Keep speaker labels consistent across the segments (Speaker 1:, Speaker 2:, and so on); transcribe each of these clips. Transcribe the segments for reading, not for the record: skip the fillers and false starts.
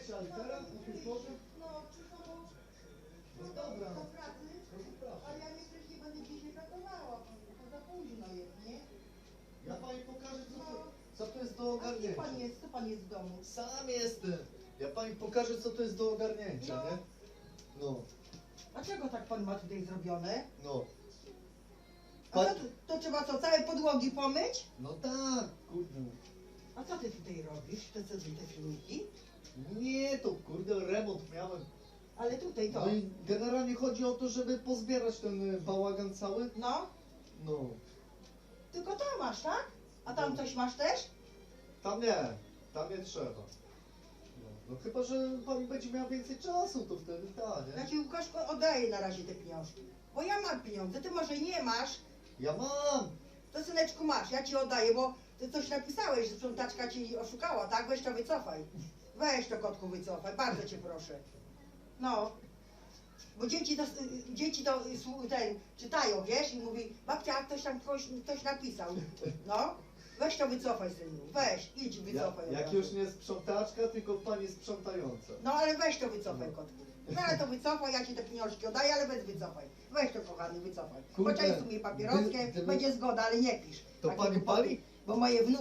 Speaker 1: wiecie, ale teraz o tej porze?
Speaker 2: No, przyszło
Speaker 1: No dobra,
Speaker 2: do pracy,
Speaker 1: no zapraszam.
Speaker 2: ale ja nie wcześniej będę dzisiaj pracowała, to za późno jest, nie?
Speaker 1: Ja pani pokażę, co to jest do
Speaker 2: A gdzie
Speaker 1: ogarnięcia.
Speaker 2: pan jest? Co pan jest w domu?
Speaker 1: Sam jestem. Ja pani pokażę, co to jest do ogarnięcia,
Speaker 2: No.
Speaker 1: nie? No,
Speaker 2: A czego tak pan ma tutaj zrobione?
Speaker 1: no.
Speaker 2: A co, to trzeba co, całe podłogi pomyć?
Speaker 1: No tak, kurde.
Speaker 2: A co ty tutaj robisz? To co te filmiki?
Speaker 1: Nie, to kurde, remont miałem.
Speaker 2: Ale tutaj to.
Speaker 1: No i generalnie chodzi o to, żeby pozbierać ten bałagan cały.
Speaker 2: No,
Speaker 1: No,
Speaker 2: tylko to masz, tak? A tam coś masz też?
Speaker 1: tam nie trzeba. No chyba, że pani będzie miała więcej czasu, to wtedy tak,
Speaker 2: Ja
Speaker 1: nie?
Speaker 2: ci Łukaszku oddaję na razie te pieniążki. Bo ja mam pieniądze, ty może nie masz.
Speaker 1: Ja mam!
Speaker 2: To syneczku masz, ja ci oddaję, bo ty coś napisałeś, że sprzątaczka ci oszukała, tak? Weź to wycofaj. Weź to kotku wycofaj, bardzo cię proszę. No. Bo dzieci to ten, czytają, wiesz, i mówi, babcia, ktoś tam ktoś napisał. No. Weź to wycofaj, synu. Weź, idź wycofaj. od
Speaker 1: Jak
Speaker 2: razu.
Speaker 1: już nie sprzątaczka, tylko pani sprzątająca.
Speaker 2: No ale weź to wycofaj, kotku. No ale to wycofaj, ja ci te pieniążki oddaję, ale bez wycofaj. Weź to, kochany, wycofaj.
Speaker 1: Kurde,
Speaker 2: Poczęstuj mnie papieroskiem,
Speaker 1: gdyby-
Speaker 2: będzie zgoda, ale nie pisz.
Speaker 1: To
Speaker 2: Takie
Speaker 1: pani
Speaker 2: głupoty.
Speaker 1: pali?
Speaker 2: Bo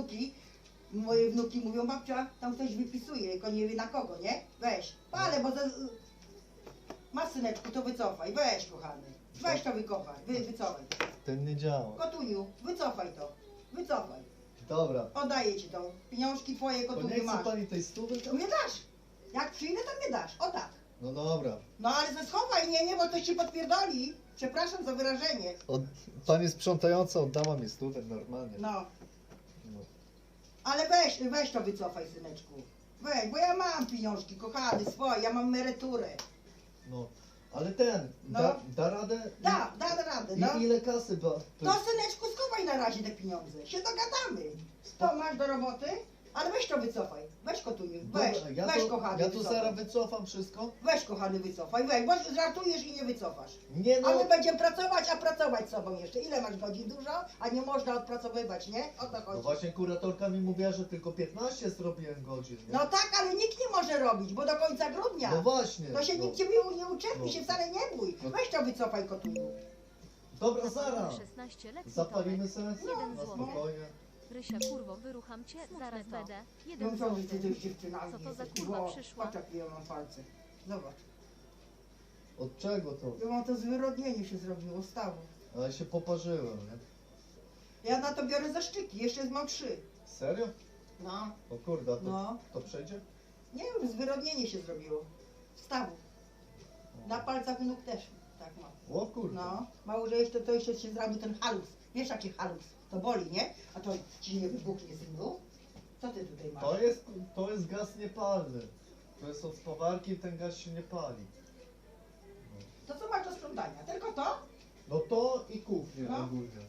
Speaker 2: moje wnuki mówią, babcia, tam ktoś wypisuje, tylko nie wie na kogo, nie? Weź, palę, bo masz, syneczku, to wycofaj, weź, kochany. Weź to wycofaj.
Speaker 1: Ten nie działa.
Speaker 2: Kotuniu, wycofaj to, wycofaj.
Speaker 1: Dobra.
Speaker 2: Oddaję ci to. Pieniążki twoje,
Speaker 1: To nie
Speaker 2: kotuniu,
Speaker 1: chce
Speaker 2: masz.
Speaker 1: pani tej stówy?
Speaker 2: To mnie dasz. Jak przyjdę, to mnie dasz. O tak.
Speaker 1: No dobra.
Speaker 2: No ale schowaj, nie, bo to ci podpierdoli. Przepraszam za wyrażenie.
Speaker 1: Pani sprzątająca oddała mi stówę normalnie.
Speaker 2: No,
Speaker 1: No.
Speaker 2: ale weź to wycofaj, syneczku. Weź, bo ja mam pieniążki, kochany, swoje, ja mam emeryturę.
Speaker 1: No. Ale ten,
Speaker 2: No.
Speaker 1: da radę?
Speaker 2: Da radę, no.
Speaker 1: I ile kasy ba?
Speaker 2: To, syneczku, schowaj na razie te pieniądze. Się dogadamy. To masz do roboty, ale weź to wycofaj. Weź, kotuniu, weź,
Speaker 1: Dobra,
Speaker 2: weź, kochany,
Speaker 1: ja tu
Speaker 2: wycofaj.
Speaker 1: zaraz wycofam wszystko.
Speaker 2: Weź, kochany, wycofaj, weź, bo żartujesz i nie wycofasz.
Speaker 1: Nie
Speaker 2: A
Speaker 1: no.
Speaker 2: my będziemy pracować, a pracować z sobą jeszcze. Ile masz godzin? Dużo? A nie można odpracowywać, nie? O to
Speaker 1: No
Speaker 2: chodzi.
Speaker 1: właśnie kuratorka mi mówiła, że tylko 15 zrobiłem godzin. Nie?
Speaker 2: No tak, ale nikt nie może robić, bo do końca grudnia.
Speaker 1: No właśnie.
Speaker 2: To się
Speaker 1: no.
Speaker 2: nikt ciebie nie uczepi,
Speaker 1: No.
Speaker 2: się wcale nie bój.
Speaker 1: No.
Speaker 2: Weź to wycofaj, kotuniu.
Speaker 1: Dobra, zaraz.
Speaker 3: 16 lekcji
Speaker 1: Zapalimy
Speaker 3: Tomek.
Speaker 1: sobie?
Speaker 3: Jeden
Speaker 1: Na
Speaker 3: złoty.
Speaker 1: spokojnie.
Speaker 3: Rysia, kurwo, wyrucham cię, zaraz będę.
Speaker 2: No
Speaker 3: Jeden
Speaker 2: co wy, ty
Speaker 3: złoty.
Speaker 2: też dziewczynami
Speaker 3: Co to za
Speaker 2: jesteś?
Speaker 3: kurwa
Speaker 2: Ło,
Speaker 3: przyszła?
Speaker 2: Patrz, jakie ja mam palce. Zobacz.
Speaker 1: Od czego to?
Speaker 2: Ja mam to zwyrodnienie się zrobiło, stawu.
Speaker 1: Ale się poparzyłem, nie?
Speaker 2: Ja na to biorę zaszczyki, jeszcze mam 3.
Speaker 1: Serio?
Speaker 2: No,
Speaker 1: O kurde, a to,
Speaker 2: no.
Speaker 1: to przejdzie?
Speaker 2: Nie wiem, zwyrodnienie się zrobiło. Stawu. Na palcach nóg też tak mam.
Speaker 1: O kurde.
Speaker 2: No, mało, że jeszcze to jeszcze się zrobił ten halus. Wiesz jaki halus? To boli, nie? A to ci nie wybuchnie, synu? Co ty tutaj masz?
Speaker 1: To jest gaz niepalny. To jest od spawarki, ten gaz się nie pali.
Speaker 2: To co masz do sprzątania? Tylko to?
Speaker 1: No to i kuchnię
Speaker 2: No.
Speaker 1: ogólnie.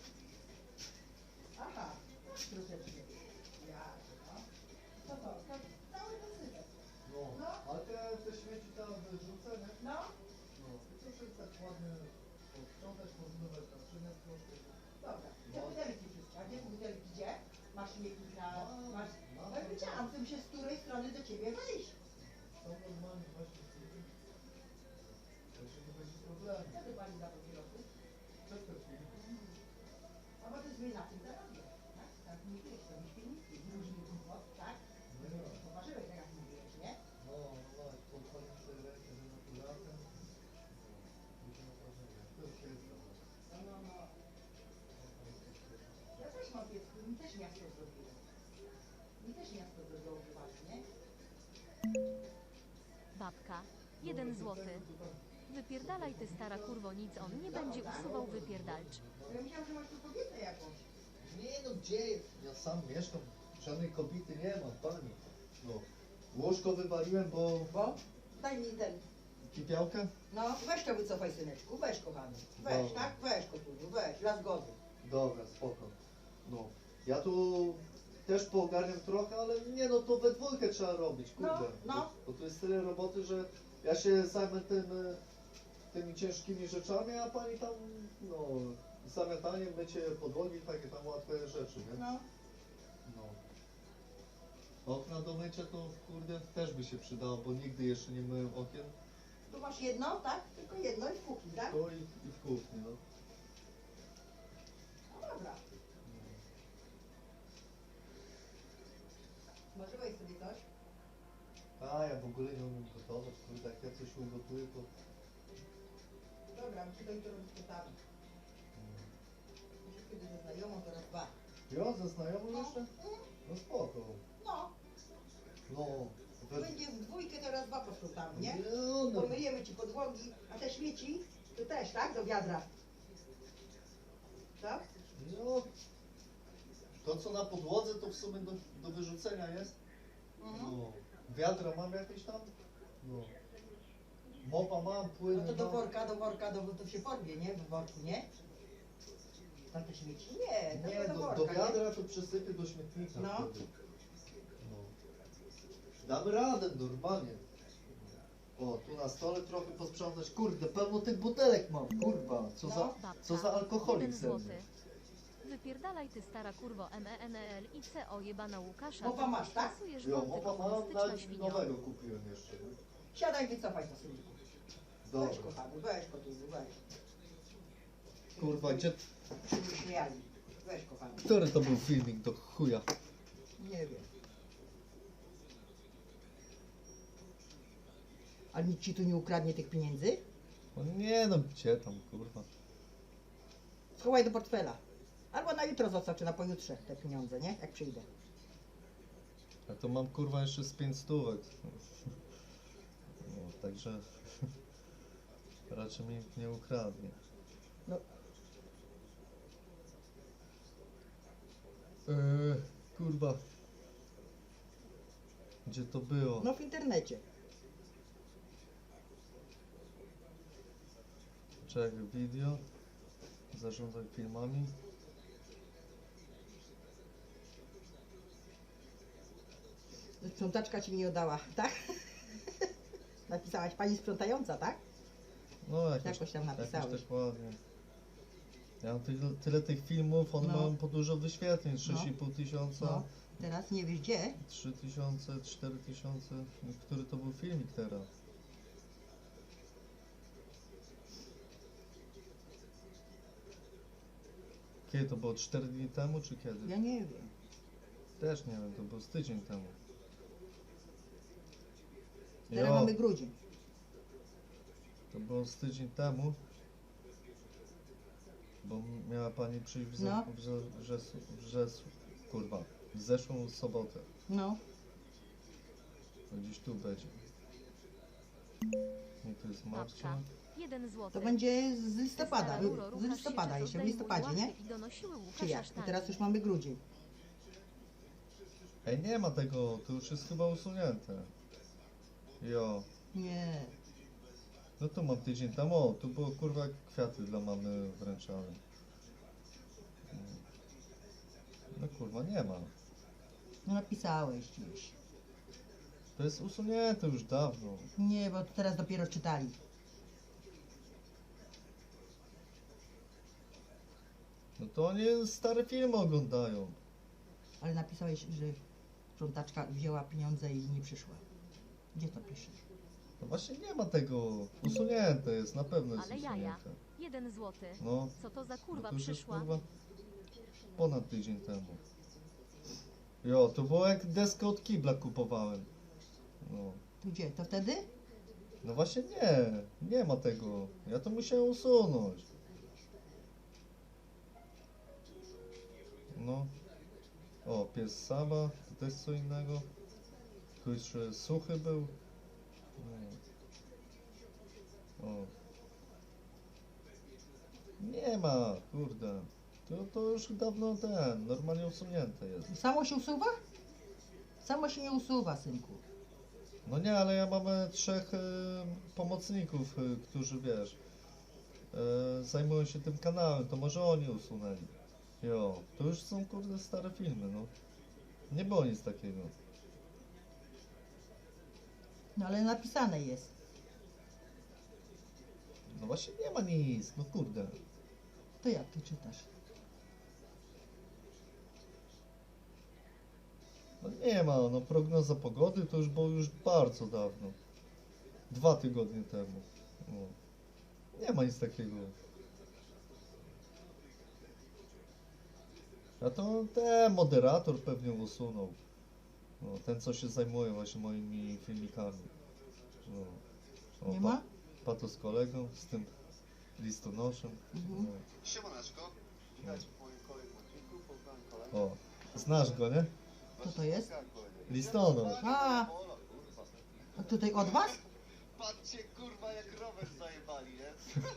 Speaker 2: Aha, troszeczkę. Ja, no. Co to? To cały dosypek.
Speaker 1: No.
Speaker 2: No.
Speaker 1: Ale te śmieci tam wyrzucę, nie?
Speaker 2: No,
Speaker 1: No. I co sobie tak ładnie posprzątać, pozmywać naczynia troszkę.
Speaker 2: dobra. Te butelki wszystkie. A gdzie te butelki? Gdzie? Masz śmietnik na... Masz...
Speaker 1: No,
Speaker 2: No i wiedziałam, chcę się z której strony do ciebie wejść.
Speaker 1: Są normalnie właśnie z tym. Także nie będzie problemu.
Speaker 2: Co ty pani za papierosy?
Speaker 1: Czekaj chwilę.
Speaker 2: A bo ty sobie na tym zarabiasz, tak? Tak mówiłeś, to byś pieniądze z różnych głupot, tak?
Speaker 1: No ja.
Speaker 2: Poważyłeś, tak jak mówiłeś, nie?
Speaker 1: No, no, podchodzę sobie rękę z naturatem. Będzie na wrażenie. To jest piękne.
Speaker 2: No. Ja też mam piesku, mi też miasto zrobiło. Mi też miasto zrobiło prywatnie.
Speaker 3: Babka. Jeden złoty. Wypierdalaj ty stara kurwo, nic on nie będzie usuwał, wypierdalcz.
Speaker 2: Ja myślałam, że masz tu kobietę jakąś.
Speaker 1: Nie no, gdzie? Ja sam mieszkam. Żadnej kobiety nie ma, pani. No. Łóżko wywaliłem, bo...
Speaker 2: Bo? Daj mi ten.
Speaker 1: Kipiałkę?
Speaker 2: No, weź to wycofaj, syneczku, weź, kochany. Weź,
Speaker 1: Dobra.
Speaker 2: tak? Weź, kochany, weź, dla zgody.
Speaker 1: Dobra, spoko. No. Ja tu też poogarniam trochę, ale nie no, to we dwójkę trzeba robić, kurde.
Speaker 2: No.
Speaker 1: Bo tu jest tyle roboty, że ja się zajmę tymi ciężkimi rzeczami, a pani tam, no, zamiataniem, mycie podłogi, takie tam łatwe rzeczy, nie?
Speaker 2: No.
Speaker 1: No. Okna do mycia to kurde też by się przydało, bo nigdy jeszcze nie myłem okien.
Speaker 2: Tu masz jedno, tak? Tylko jedno i w kuchni, tak?
Speaker 1: To i w kuchni, no.
Speaker 2: No dobra. Może weź sobie coś?
Speaker 1: A ja w ogóle nie umiem gotować, kurde, jak ja coś ugotuję, to...
Speaker 2: Dobra, my się to jutro rozpytamy. Kiedy ze znajomą, to raz dwa.
Speaker 1: Jo, ze znajomą
Speaker 2: No.
Speaker 1: jeszcze? No spoko.
Speaker 2: No,
Speaker 1: No.
Speaker 2: będzie w dwójkę, to raz dwa posprzątamy, nie?
Speaker 1: No.
Speaker 2: Pomyjemy ci podłogi, a te śmieci, to też, tak? Do wiadra. Tak?
Speaker 1: No. To co na podłodze to w sumie do wyrzucenia jest.
Speaker 2: Mhm.
Speaker 1: No. Wiadra mam jakieś tam? No. Mopa mam, płyny
Speaker 2: No to do
Speaker 1: mam.
Speaker 2: worka, to się porwie, nie? W worku, nie? Tam te śmieci? Nie, to
Speaker 1: Nie,
Speaker 2: do
Speaker 1: do
Speaker 2: worka,
Speaker 1: wiadra to przesypię do śmietnika
Speaker 2: No.
Speaker 1: wtedy. No. Damy radę normalnie. O, tu na stole trochę posprzątać. Kurde, pełno tych butelek mam, kurwa. Co
Speaker 2: No.
Speaker 1: za,
Speaker 3: Babka.
Speaker 1: co za alkoholik
Speaker 3: 1
Speaker 1: ze mnie.
Speaker 3: złoty. Wypierdalaj ty stara kurwo MENEL i CO jebana Łukasza.
Speaker 2: Mopa masz, tak?
Speaker 3: Stosujesz
Speaker 1: Jo,
Speaker 3: wąty
Speaker 1: mopa mam,
Speaker 3: komunistyczna
Speaker 1: nawet
Speaker 2: no.
Speaker 3: świnio.
Speaker 1: nowego kupiłem jeszcze. Nie?
Speaker 2: Siadaj, wycofaj to sobie. Weź,
Speaker 1: Dobra.
Speaker 2: kochany, weź kotuzu, weź.
Speaker 1: Kurwa, gdzie...
Speaker 2: Się nie śmiali. Weź, kochany.
Speaker 1: Który to był filmik do chuja?
Speaker 2: Nie wiem. A nikt ci tu nie ukradnie tych pieniędzy?
Speaker 1: No nie no, gdzie tam, kurwa.
Speaker 2: Schowaj do portfela. Albo na jutro zostaw, czy na pojutrze te pieniądze, nie? Jak przyjdę.
Speaker 1: A to mam kurwa jeszcze z 5 stówek. No, także... Raczej mi nikt nie ukradnie.
Speaker 2: No.
Speaker 1: Kurwa. Gdzie to było?
Speaker 2: No w internecie.
Speaker 1: Czekaj, video. Zarządzaj filmami.
Speaker 2: Sprzątaczka ci nie oddała, tak? Napisałaś pani sprzątająca, tak?
Speaker 1: No
Speaker 2: Jakoś tam napisałeś.
Speaker 1: Jakoś tak ładnie. Ja mam tyle tych filmów, one
Speaker 2: No.
Speaker 1: mają po dużo wyświetleń. 6,5 tysiąca,
Speaker 2: No. Teraz nie wiesz gdzie?
Speaker 1: 3000, 4000. Który to był filmik teraz? Kiedy to było? 4 dni temu czy kiedy?
Speaker 2: Ja nie wiem.
Speaker 1: Też nie wiem, to było z tydzień temu.
Speaker 2: Teraz
Speaker 1: Jo,
Speaker 2: mamy grudzień.
Speaker 1: to było z tydzień temu. Bo miała pani przyjść
Speaker 2: No.
Speaker 1: kurwa, w zeszłą sobotę.
Speaker 2: No.
Speaker 1: To gdzieś tu będzie. Nie, to jest Marcia.
Speaker 3: Babka. 1 złoty.
Speaker 2: To będzie z listopada.
Speaker 3: Stara Ruro,
Speaker 2: Z
Speaker 3: ruchasz
Speaker 2: listopada
Speaker 3: się,
Speaker 2: jeszcze, w
Speaker 3: zdejmuj
Speaker 2: listopadzie, nie?
Speaker 3: łapy I donosiły
Speaker 2: Czy
Speaker 3: Łukasza
Speaker 2: jak? I
Speaker 3: sztangę.
Speaker 2: teraz już mamy grudzień.
Speaker 1: Ej, nie ma tego, to już jest chyba usunięte. Jo.
Speaker 2: Nie.
Speaker 1: No tu mam tydzień temu, o, tu było kurwa kwiaty dla mamy wręczane. No kurwa, nie ma.
Speaker 2: No napisałeś gdzieś.
Speaker 1: To jest usunięte już dawno.
Speaker 2: Nie, bo teraz dopiero czytali.
Speaker 1: No to oni stare filmy oglądają.
Speaker 2: Ale napisałeś, że sprzątaczka wzięła pieniądze i nie przyszła. Gdzie to pisze?
Speaker 1: No właśnie nie ma tego. Usunięte jest, na pewno jest
Speaker 3: Ale jaja.
Speaker 1: usunięte.
Speaker 3: 1 złoty.
Speaker 1: No,
Speaker 3: Co to za
Speaker 1: no
Speaker 3: kurwa
Speaker 1: to już jest
Speaker 3: przyszła?
Speaker 1: kurwa ponad tydzień temu. Jo, to było jak deskę od kibla kupowałem. No.
Speaker 2: Tu gdzie? To wtedy?
Speaker 1: No właśnie nie ma tego. Ja to musiałem usunąć. No. O, pies Saba, to też co innego. Tu jeszcze suchy był. No. O. Nie ma, kurde. To już dawno normalnie usunięte jest.
Speaker 2: Samo się usuwa? Samo się nie usuwa, synku.
Speaker 1: No nie, ale ja mam 3 pomocników, którzy wiesz, zajmują się tym kanałem, to może oni usunęli. Jo, to już są kurde stare filmy, no. Nie było nic takiego.
Speaker 2: No ale napisane jest.
Speaker 1: No właśnie nie ma nic, no kurde.
Speaker 2: To jak ty czytasz?
Speaker 1: No Nie ma, no prognoza pogody to już było już bardzo dawno. 2 tygodnie temu. No. Nie ma nic takiego. A to ten moderator pewnie usunął. No, ten co się zajmuje właśnie moimi filmikami. No.
Speaker 2: Nie ma?
Speaker 1: Pato z kolegą, z tym listonoszem.
Speaker 2: Mhm.
Speaker 4: Siemaneczko, witajcie w moim kolejnym odcinku, poznałem kolegę.
Speaker 1: O, znasz go, nie?
Speaker 2: Co to jest?
Speaker 1: Listonosz.
Speaker 2: A, a tutaj od was?
Speaker 4: Patrzcie kurwa jak rower zajebali, nie?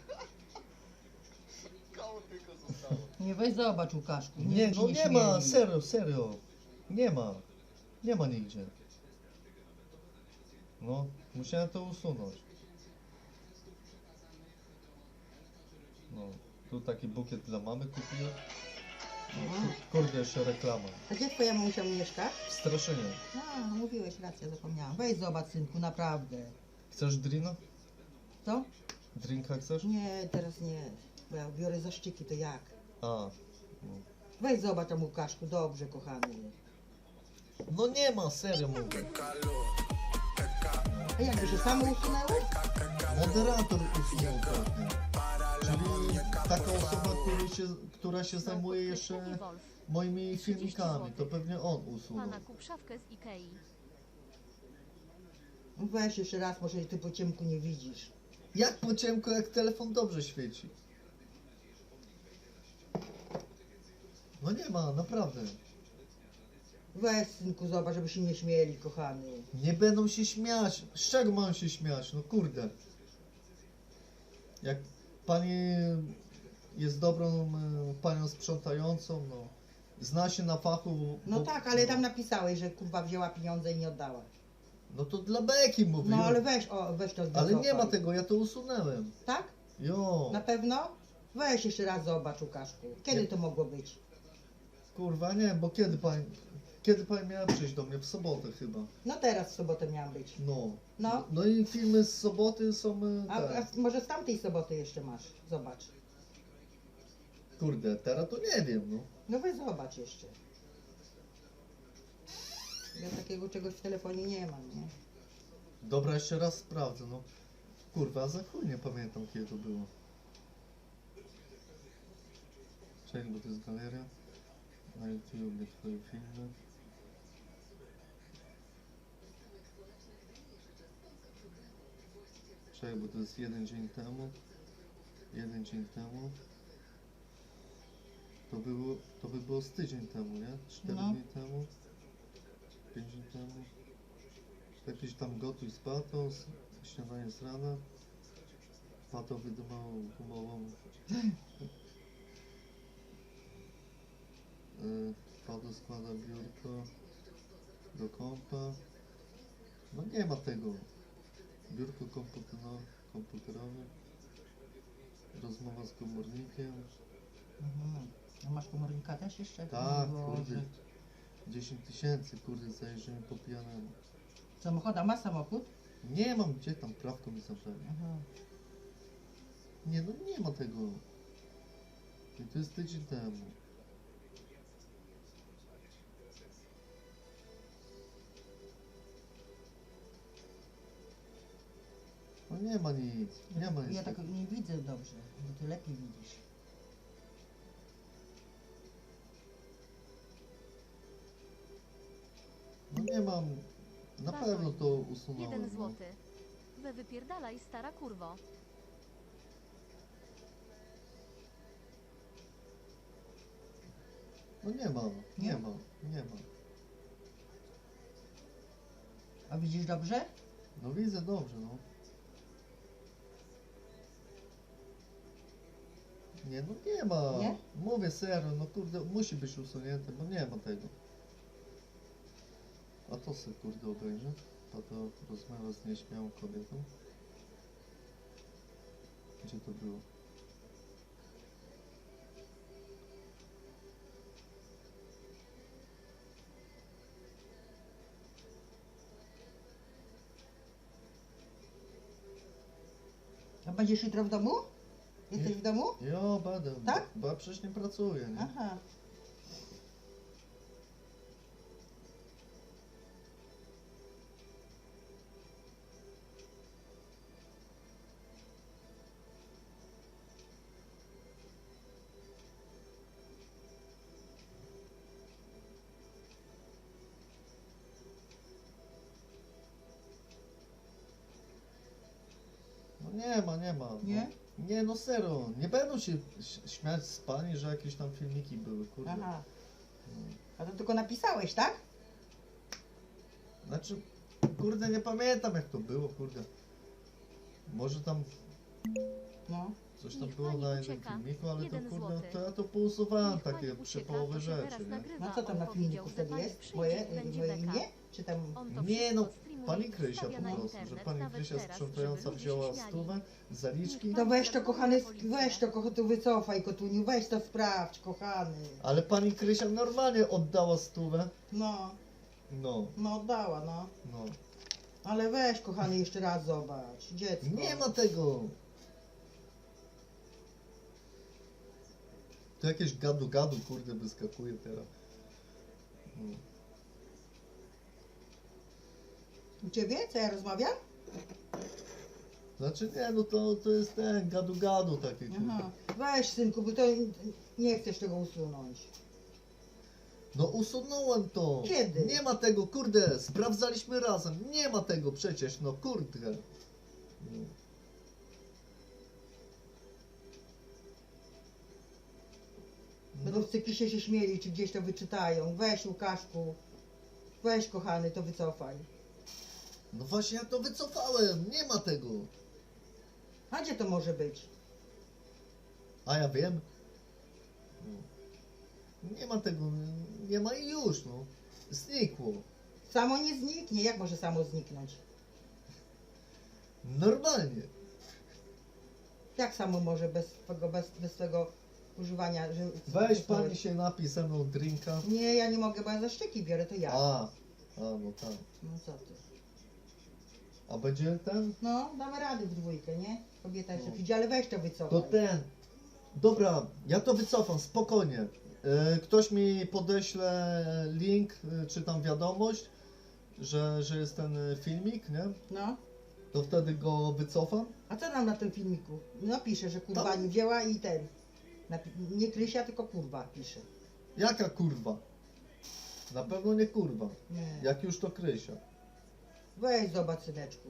Speaker 4: Koło tylko zostało.
Speaker 2: Nie, weź zobacz Łukaszku.
Speaker 1: Nie,
Speaker 2: ci
Speaker 1: no nie ma,
Speaker 2: śmieli.
Speaker 1: serio, serio. Nie ma. Nie ma nigdzie. No, musiałem to usunąć. No, tu taki bukiet dla mamy kupiłem. No, kurde, jeszcze reklama.
Speaker 2: A gdzie twoja mamusia mieszka?
Speaker 1: W Straszynie.
Speaker 2: A, mówiłeś, racja, zapomniałam. Weź zobacz, synku, naprawdę.
Speaker 1: Chcesz drina?
Speaker 2: Co?
Speaker 1: Drinka chcesz?
Speaker 2: Nie, teraz nie. Bo ja biorę zaszczyki, to jak?
Speaker 1: A.
Speaker 2: Weź zobacz tam Łukaszku, dobrze, kochany.
Speaker 1: No nie ma, serio mówię.
Speaker 2: A jakby się samo usunęło?
Speaker 1: Moderator usunął pewnie. Czyli taka osoba, która się zajmuje jeszcze moimi filmikami, to pewnie on usunął.
Speaker 3: Pana kup szafkę z Ikei.
Speaker 2: Weź jeszcze raz, może ty po ciemku nie widzisz.
Speaker 1: Jak po ciemku, jak telefon dobrze świeci. No nie ma, naprawdę.
Speaker 2: Weź, synku, zobacz, żeby się nie śmieli, kochany.
Speaker 1: Nie będą się śmiać. Z czego mają się śmiać? No kurde. Jak pani jest dobrą panią sprzątającą, no. Zna się na fachu.
Speaker 2: No
Speaker 1: bo-
Speaker 2: tak, ale tam napisałeś, że kurwa wzięła pieniądze i nie oddała.
Speaker 1: No to dla beki mówię.
Speaker 2: No ale weź, weź to
Speaker 1: Ale
Speaker 2: zdecofaj.
Speaker 1: nie ma tego, ja to usunęłem.
Speaker 2: Tak?
Speaker 1: Jo.
Speaker 2: Na pewno? Weź jeszcze raz zobacz, Łukaszku. Kiedy
Speaker 1: Nie.
Speaker 2: to mogło być?
Speaker 1: Kurwa nie, bo kiedy pani miała przyjść do mnie? W sobotę chyba.
Speaker 2: No teraz w sobotę miałam być.
Speaker 1: No.
Speaker 2: No.
Speaker 1: No i filmy z soboty są
Speaker 2: A
Speaker 1: te.
Speaker 2: może z tamtej soboty jeszcze masz? Zobacz.
Speaker 1: Kurde, teraz to nie wiem, no.
Speaker 2: No weź zobacz jeszcze. Ja takiego czegoś w telefonie nie mam, nie?
Speaker 1: Dobra, jeszcze raz sprawdzę, no. Kurwa, za chuj nie pamiętam kiedy to było. Czekaj, bo to jest galeria. Na YouTube twoje filmy. Czekaj, bo to jest jeden dzień temu. Jeden dzień temu. To by było z tydzień temu, nie? 4
Speaker 2: No.
Speaker 1: dni temu. 5 dni temu. Jakiś tam gotuj z patą, śniadanie z rana. Pato wydumał gumową. Pato składa biurko do kompa. No nie ma tego. Biurko komputerowe. Rozmowa z komornikiem.
Speaker 2: Mhm. A masz komornika też jeszcze?
Speaker 1: Tak,
Speaker 2: Boże.
Speaker 1: kurde. 10 tysięcy, kurde, zajrzymy po pijanemu.
Speaker 2: Samochód, a masz samochód?
Speaker 1: Nie mam, gdzie tam prawko mi zabrali.
Speaker 2: Aha.
Speaker 1: Nie, no nie ma tego. I to jest tydzień temu. No nie ma nic, nie ma nic.
Speaker 2: Ja tak nie widzę dobrze, bo ty lepiej widzisz.
Speaker 1: No nie mam, na pewno to usunąłem.
Speaker 3: 1
Speaker 1: no.
Speaker 3: złoty. Wypierdalaj, stara kurwo.
Speaker 1: No nie ma,
Speaker 2: Nie?
Speaker 1: nie ma, nie ma.
Speaker 2: A widzisz dobrze?
Speaker 1: No widzę dobrze, no. Nie, no nie ma.
Speaker 2: Nie?
Speaker 1: Mówię serio, no kurde, musi być usunięte, bo nie ma tego. A to sobie kurde obejrzę. A to rozmawia z nieśmiałą kobietą. Gdzie to było?
Speaker 2: A będziesz jutro w domu? Jesteś w domu?
Speaker 1: Jo, będę.
Speaker 2: Tak?
Speaker 1: Bo ja przecież nie pracuję, nie?
Speaker 2: Aha.
Speaker 1: nie ma, nie ma.
Speaker 2: Nie?
Speaker 1: Nie, no serio, nie będą się śmiać z pani, że jakieś tam filmiki były, kurde.
Speaker 2: Aha. A to tylko napisałeś, tak?
Speaker 1: Znaczy, kurde, nie pamiętam jak to było, kurde. Może tam
Speaker 2: No.
Speaker 1: coś tam
Speaker 3: Niech
Speaker 1: było
Speaker 3: pani
Speaker 1: na jednym
Speaker 3: ucieka.
Speaker 1: filmiku, ale to
Speaker 3: 1
Speaker 1: kurde,
Speaker 3: złoty.
Speaker 1: to ja to pousuwałem
Speaker 3: Niech pani
Speaker 1: takie
Speaker 3: ucieka,
Speaker 1: przepołowe
Speaker 3: to się
Speaker 1: rzeczy,
Speaker 3: teraz
Speaker 1: nie?
Speaker 3: nagrywa.
Speaker 2: No co tam
Speaker 3: On
Speaker 2: na filmiku
Speaker 3: powiedział, że
Speaker 2: wtedy
Speaker 3: pani
Speaker 2: jest?
Speaker 3: przyjdzie
Speaker 2: Moje,
Speaker 3: i będzie
Speaker 2: moje
Speaker 3: beka.
Speaker 2: imię? Czy tam...
Speaker 3: On to
Speaker 1: Nie
Speaker 3: wszystko
Speaker 1: no,
Speaker 3: streamuje
Speaker 1: pani
Speaker 3: i
Speaker 1: Krysia
Speaker 3: wstawia
Speaker 1: po
Speaker 3: na
Speaker 1: prostu, że
Speaker 3: internet,
Speaker 1: pani
Speaker 3: nawet
Speaker 1: Krysia
Speaker 3: teraz,
Speaker 1: sprzątająca
Speaker 3: żeby ludzie
Speaker 1: wzięła
Speaker 3: się śmiali.
Speaker 1: stówę, zaliczki,
Speaker 2: To weź to,
Speaker 3: Zadzwoni
Speaker 2: kochany,
Speaker 3: na policję.
Speaker 2: weź to, tu wycofaj, kotuniu, weź to sprawdź, kochany.
Speaker 1: ale pani Krysia normalnie oddała stówę.
Speaker 2: No,
Speaker 1: No,
Speaker 2: no oddała, no.
Speaker 1: no.
Speaker 2: Ale weź, kochany, jeszcze raz zobacz, dziecko.
Speaker 1: Nie ma tego. To jakieś gadu, kurde, wyskakuje teraz. No.
Speaker 2: U ciebie? Co ja rozmawiam?
Speaker 1: Znaczy nie, no to jest ten gadu taki, kurde.
Speaker 2: Aha. Weź, synku, bo to nie chcesz tego usunąć.
Speaker 1: No usunąłem to.
Speaker 2: Kiedy?
Speaker 1: Nie ma tego, kurde, sprawdzaliśmy razem. Nie ma tego przecież, no kurde. No.
Speaker 2: Będą w cyklisie się śmieli, czy gdzieś to wyczytają. Weź, Łukaszku. Weź, kochany, to wycofaj.
Speaker 1: No właśnie ja to wycofałem, nie ma tego.
Speaker 2: A gdzie to może być?
Speaker 1: A ja wiem. No. Nie ma tego, nie ma i już, no. Znikło.
Speaker 2: Samo nie zniknie. Jak może samo zniknąć?
Speaker 1: Normalnie.
Speaker 2: Jak samo może bez twego używania? Że,
Speaker 1: Weź pani się napij ze mną drinka.
Speaker 2: Nie, ja nie mogę, bo ja za szczyki biorę, to ja.
Speaker 1: A, no tak.
Speaker 2: No co ty?
Speaker 1: A będzie ten?
Speaker 2: No, damy rady w dwójkę, nie? Kobieta jeszcze
Speaker 1: No.
Speaker 2: przyjdzie, ale weź to wycofaj.
Speaker 1: To ten. Dobra, ja to wycofam, spokojnie. Ktoś mi podeśle link, czy tam wiadomość, że jest ten filmik, nie?
Speaker 2: No.
Speaker 1: To wtedy go wycofam.
Speaker 2: A co nam na tym filmiku? Napisze, że kurwa
Speaker 1: Tam-
Speaker 2: nie wzięła i ten. Nie Krysia, tylko kurwa pisze.
Speaker 1: Jaka kurwa? Na pewno nie kurwa.
Speaker 2: Nie.
Speaker 1: Jak już to Krysia.
Speaker 2: Weź zobacz, syneczku.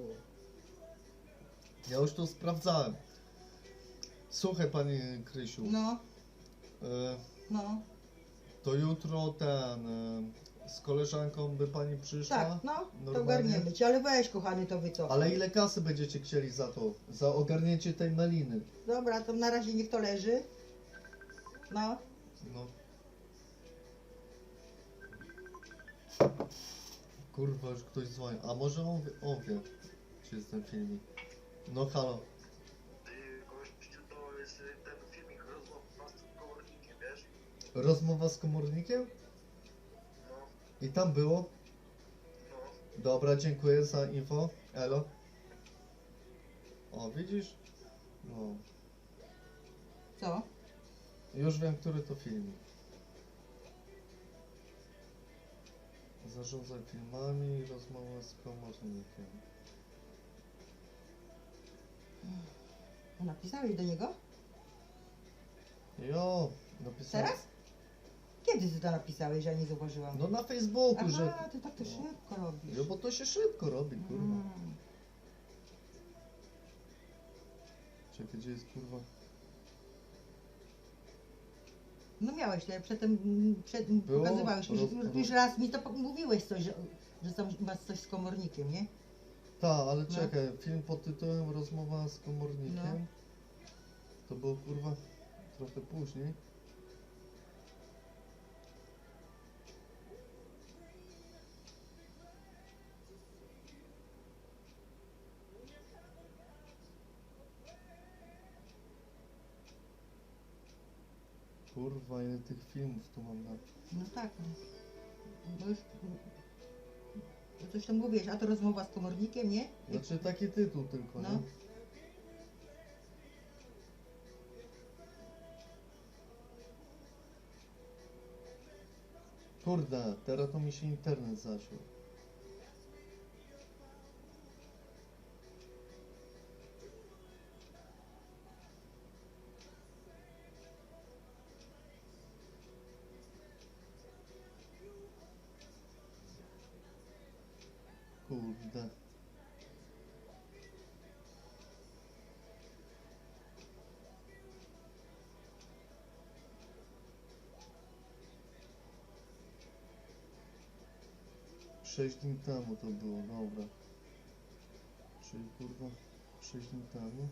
Speaker 1: Ja już to sprawdzałem. Słuchaj pani Krysiu,
Speaker 2: No,
Speaker 1: e,
Speaker 2: no.
Speaker 1: to jutro ten z koleżanką by pani przyszła.
Speaker 2: Tak, no, to
Speaker 1: Normalnie?
Speaker 2: ogarniemy cię, ale weź, kochany, to wycofaj.
Speaker 1: Ale ile kasy będziecie chcieli za to? Za ogarnięcie tej meliny?
Speaker 2: Dobra, to na razie niech to leży. No.
Speaker 1: No. Kurwa, już ktoś dzwoni. A może on wie, czy jest ten filmik. No halo.
Speaker 4: Gościu, to jest ten filmik rozmowa z komornikiem, wiesz?
Speaker 1: Rozmowa z komornikiem?
Speaker 4: No,
Speaker 1: I tam było?
Speaker 4: no.
Speaker 1: Dobra, dziękuję za info. Elo. O, widzisz? No.
Speaker 2: Co?
Speaker 1: Już wiem, który to filmik. Zarządzaj filmami i rozmowa z komornikiem.
Speaker 2: Napisałeś do niego?
Speaker 1: Jo, napisałem.
Speaker 2: Teraz? Kiedy ty to napisałeś, że ja nie zauważyłam?
Speaker 1: No na Facebooku,
Speaker 2: Aha,
Speaker 1: że...
Speaker 2: ty tak to
Speaker 1: No.
Speaker 2: szybko robisz.
Speaker 1: Jo, bo to się szybko robi, kurwa.
Speaker 2: Mm.
Speaker 1: Czekaj, gdzie jest kurwa?
Speaker 2: No miałeś, ale przedtem
Speaker 1: Było?
Speaker 2: pokazywałeś mi,
Speaker 1: Roz-
Speaker 2: już raz mi to mówiłeś coś, że tam masz coś z komornikiem, nie?
Speaker 1: Ta, ale
Speaker 2: No.
Speaker 1: czekaj, film pod tytułem Rozmowa z komornikiem.
Speaker 2: No.
Speaker 1: To było kurwa trochę później. Kurwa, ile tych filmów tu mam na...
Speaker 2: No tak, no. Bo już bo coś tam mówiłeś, a to rozmowa z komornikiem, nie?
Speaker 1: Znaczy taki tytuł tylko,
Speaker 2: No.
Speaker 1: nie? Kurde, teraz to mi się internet zasiął. Kurde. 6 dni temu to było, dobra. Czyli kurwa 6 dni temu.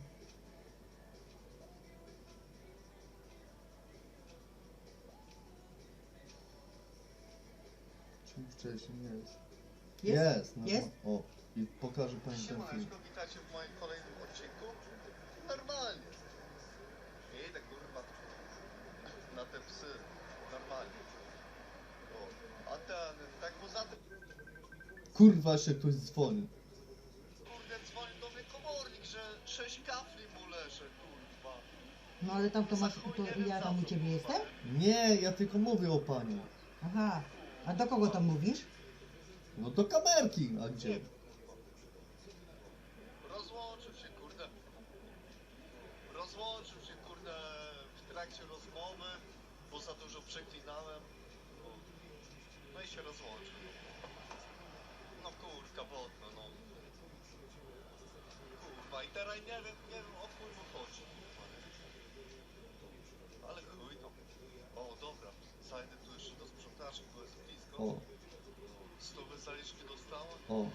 Speaker 1: Czyli wcześniej jest. Jest, no,
Speaker 2: Jest?
Speaker 1: O, i pokażę pani ten film.
Speaker 5: Siemaneczko, witajcie w moim kolejnym odcinku. Normalnie. Idę kurwa na te psy. Normalnie. O, a ten, tak poza tym,
Speaker 1: Kurwa, jeszcze ktoś dzwoni.
Speaker 5: kurde, dzwoni do mnie komornik, że 6 kafli mu leży, kurwa.
Speaker 2: No ale tam to masz, to ja tam u ciebie jestem?
Speaker 1: Nie, ja tylko mówię o pani.
Speaker 2: Aha. A do kogo tam mówisz?
Speaker 1: No do kamerki, a gdzie?
Speaker 5: Rozłączył się, kurde. Rozłączył się, kurde, w trakcie rozmowy, bo za dużo przeklinałem. No i się rozłączył. No kurka wodna, no. Kurwa, i teraz nie wiem o chuj mu chodzi. Ale chuj tam. O, dobra, zajdę tu jeszcze do sprzątaczy, bo jest blisko.
Speaker 1: O,
Speaker 5: 100 zaliczki dostałem,
Speaker 1: o.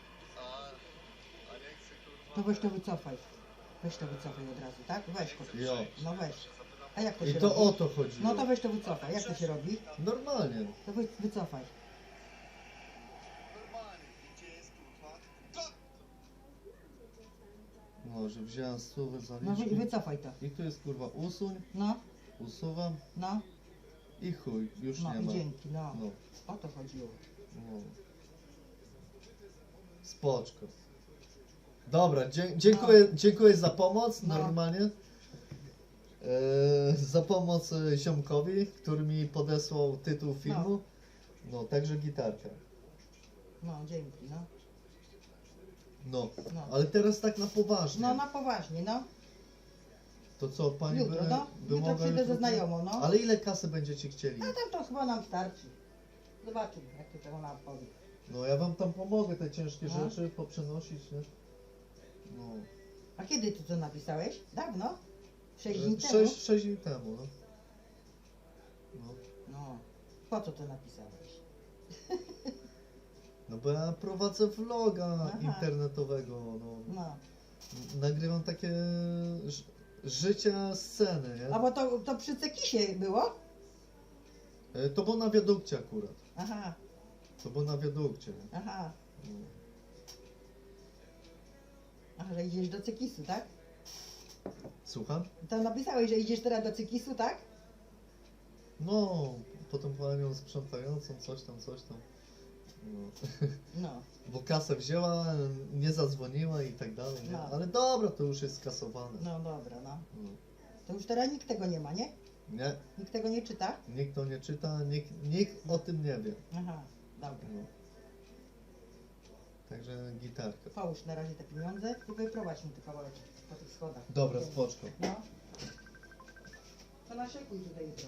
Speaker 5: a nie chcę kurwa...
Speaker 2: To weź to wycofaj. Weź to wycofaj od razu, tak? Weź to.
Speaker 1: Jo.
Speaker 2: No weź. A jak to
Speaker 1: I
Speaker 2: się
Speaker 1: to
Speaker 2: robi?
Speaker 1: o to chodzi.
Speaker 2: No to weź to wycofaj. Jak to się robi?
Speaker 1: Normalnie.
Speaker 2: To wycofaj.
Speaker 5: Normalnie, gdzie jest kurwa?
Speaker 1: No, że wziąłem stówę za
Speaker 2: No
Speaker 1: liczki.
Speaker 2: wycofaj to.
Speaker 1: I tu jest kurwa usuń,
Speaker 2: No,
Speaker 1: usuwam
Speaker 2: no,
Speaker 1: i chuj, już
Speaker 2: no
Speaker 1: nie
Speaker 2: i
Speaker 1: ma.
Speaker 2: dzięki, no.
Speaker 1: No,
Speaker 2: O to chodziło.
Speaker 1: no. Spoczko. Dobra, dziękuję za pomoc,
Speaker 2: No.
Speaker 1: normalnie. Za pomoc ziomkowi, który mi podesłał tytuł filmu. No, także gitarka.
Speaker 2: No, dzięki, no.
Speaker 1: No,
Speaker 2: No.
Speaker 1: ale teraz tak na poważnie.
Speaker 2: No na poważnie, no.
Speaker 1: To co, pani
Speaker 2: Jutro,
Speaker 1: by,
Speaker 2: no.
Speaker 1: by
Speaker 2: Jutro
Speaker 1: mogła
Speaker 2: przyjdę ze znajomą, no.
Speaker 1: Ale ile kasy będziecie chcieli?
Speaker 2: A tam to chyba nam starczy. Zobaczymy, jak to ona powie.
Speaker 1: No ja wam tam pomogę te ciężkie
Speaker 2: No.
Speaker 1: rzeczy poprzenosić, nie? No.
Speaker 2: A kiedy ty to napisałeś? Dawno? 6 dni temu?
Speaker 1: 6 dni temu, no. No.
Speaker 2: No. Po co to napisałeś?
Speaker 1: No bo ja prowadzę vloga
Speaker 2: Aha.
Speaker 1: internetowego, no.
Speaker 2: No.
Speaker 1: Nagrywam takie życia sceny, nie?
Speaker 2: A bo to przy Cekisie było?
Speaker 1: To było na wiadukcie akurat.
Speaker 2: Aha,
Speaker 1: To było na wiadukcie. Nie?
Speaker 2: aha.
Speaker 1: No.
Speaker 2: Aha, że idziesz do Cekisu, tak?
Speaker 1: Słucham?
Speaker 2: Tam napisałeś, że idziesz teraz do Cekisu, tak?
Speaker 1: No, potem panią sprzątającą, coś tam. No.
Speaker 2: No.
Speaker 1: Bo kasę wzięła, nie zadzwoniła i tak dalej, nie?
Speaker 2: No.
Speaker 1: Ale dobra, to już jest skasowane.
Speaker 2: No dobra, no.
Speaker 1: No.
Speaker 2: To już teraz nikt tego nie ma, nie?
Speaker 1: Nie,
Speaker 2: Nikt tego nie czyta?
Speaker 1: nikt to nie czyta, nikt o tym nie wie.
Speaker 2: Aha, dobra.
Speaker 1: No. Także gitarka.
Speaker 2: Połóż na razie te pieniądze i wyprowadź mi te kawałeczki po tych schodach.
Speaker 1: Dobra, spoczko.
Speaker 2: No. To naszykuj tutaj jutro.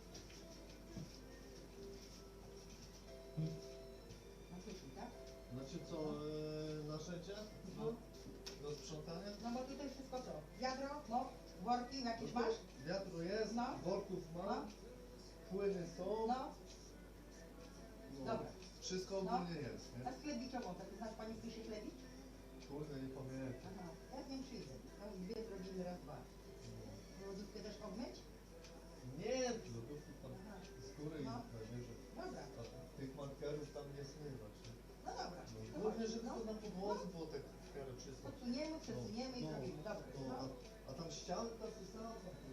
Speaker 2: Naszykuj, tak?
Speaker 1: Znaczy co, narzędzia?
Speaker 2: No.
Speaker 1: Do sprzątania?
Speaker 2: No bo tutaj wszystko co? Wiadro, no, worki jakieś masz?
Speaker 1: Wiatru jest,
Speaker 2: No.
Speaker 1: worków
Speaker 2: No.
Speaker 1: mam, płyny są.
Speaker 2: No.
Speaker 1: No.
Speaker 2: Dobra.
Speaker 1: Wszystko
Speaker 2: No.
Speaker 1: ogólnie jest, nie?
Speaker 2: A sklebiczową, tak znasz pani chce się klebić?
Speaker 1: Kurde, nie pamiętam.
Speaker 2: Aha, ja z nim przyjdę. No, dwie zrobimy raz, dwa. Lodówkę też obmyć?
Speaker 1: Nie, lodówki tam
Speaker 2: Aha.
Speaker 1: skóry i
Speaker 2: No.
Speaker 1: nabierze.
Speaker 2: Dobra,
Speaker 1: A tych markerów tam nie zmywać. Nie?
Speaker 2: no dobra.
Speaker 1: No,
Speaker 2: To
Speaker 1: głównie,
Speaker 2: chodź,
Speaker 1: żeby
Speaker 2: no.
Speaker 1: to na podłodze było tak w miarę czysto.
Speaker 2: Podsuniemy, przesuniemy i
Speaker 1: No,
Speaker 2: zrobimy. Dobra.
Speaker 1: no,
Speaker 2: No.
Speaker 1: a tam ściany tam zostały?